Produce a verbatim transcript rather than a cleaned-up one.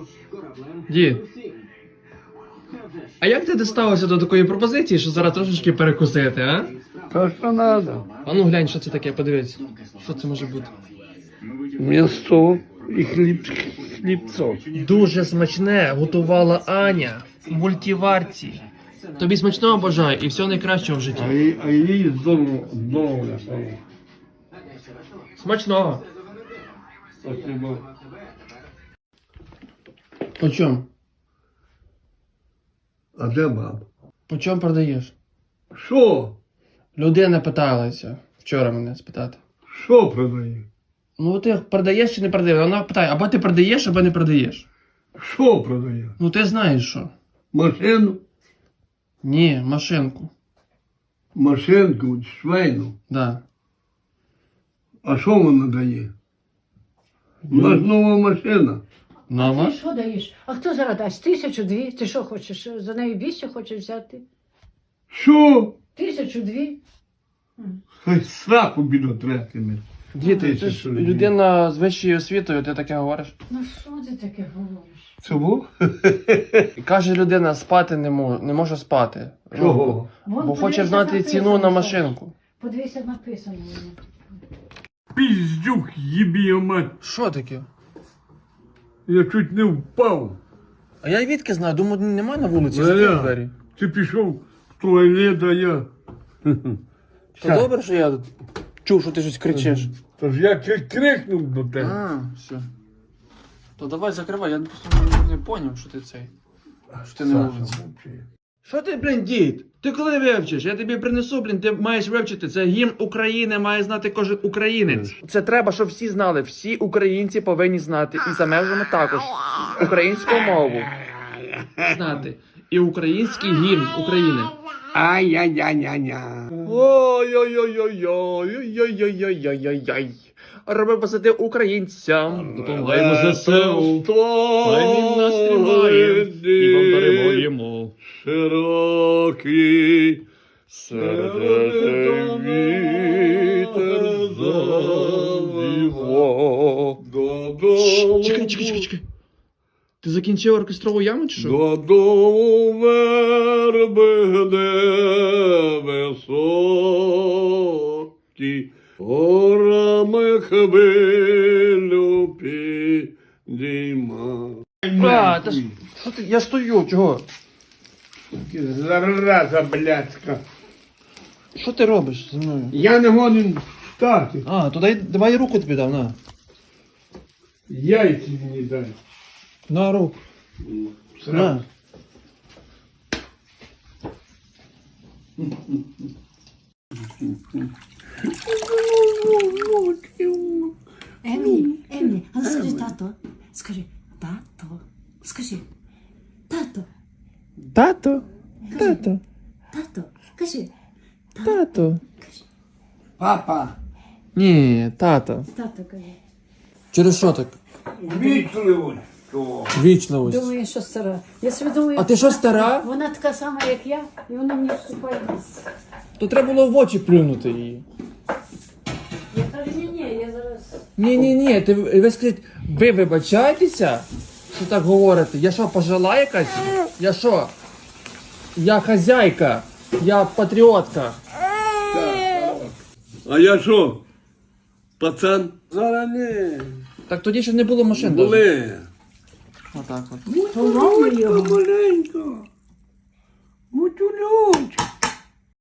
Дід, а як ти доставився до такої пропозиції, що зараз трошечки перекусити, а? То, що треба. А ну глянь, що це таке, подивись. Що це може бути? М'ясо і хліб, хлібцо. Дуже смачне готувала Аня в мультиварці. Тобі смачного бажаю і всього найкращого в А житті. їй, а їй здорово, здоров'я. Смачного. Спасибо. По чому? А де баб? По чому продаєш? Що? Людина питалася вчора мене спитати. Що продає? Ну ти продаєш чи не продаєш? Вона питає, або ти продаєш, або не продаєш. Що продає? Ну ти знаєш що? Машину? Ні, машинку. Машинку, швейну. Да. А що вона дає? У нас нова машина. Нова? Ти що даєш? А хто зараз дасть? Тисячу дві? Ти що хочеш? За неї більше хочеш взяти? Що? Тисячу дві? Хай сраку бідотретиме. Діти, ти ж людина з вищою освітою, ти таке говориш. Ну що ти таке говориш? Чого? І каже людина, спати не може, не може спати. Ну, Чого? Вон, бо хоче подивися, знати написано, ціну на Саш. машинку. Подивися, написано. воно. Піздюк, їбі мать. Що таке? Я чуть не впав. А я відки знаю, думаю, немає на вулиці, Валя. закрив двері. Ти пішов в туалет, а я. То добре, що я чув, що ти щось кричиш. Тож я крик- крикнув до тебе. А, все. То давай закривай, я просто не, не поняв, що ти цей. Що ти не Саша, вулиці. мовчи. Що ти, блін, дід? Ти коли вивчиш? Я тобі принесу, блін, ти маєш вивчити. Це гімн України, має знати кожен українець. Це треба, щоб всі знали. Всі українці повинні знати. І за межами також. Українську мову. Знати. І український гімн України. Ай-яй-яй-яй-яй. Ой-ой-ой-ой-ой-ой-ой-ой-ой-ой. Роби позитив українцям. Допомагаємо ЗСУ. Хай він нас тримає. І повторимо. Широкий серед вітер завіво. Додому. Чекай, чекай, чекай, чекай. Ти закінчив оркестрову яму чи що? Додому верби де високі, горами хвилю підійма. А, та ж, що ти, я стою, чого? Зараза блядська. Що ти робиш зі мною? Я не годен встати. А, то дай, давай я руку тобі дав, на. Яйці мені дай. На руку. На. Емі, Емі, а ну скажи тато. Скажи, тато. Скажи, тато, Тато, тато, тато. Кажи, тато. Папа. Ні, тато. тато кажи. Через що так? Вічливо. Вічливість. Думаю, що стара. Я собі думаю, А ти що, стара? вона така сама, як я, і вона мені вступає в ліс. То треба було в очі плюнути її. Я кажу, ні-ні, я зараз... Ні-ні-ні, ти ви скажіть, ви вибачаєтеся, що так говорите? Я що, пожила якась? Я що? Я хазяйка, я патріотка. А я що? Пацан? Зараз не. Так тоді ще не було машин. даже. Були. Отак от. Поломай його. Маленько.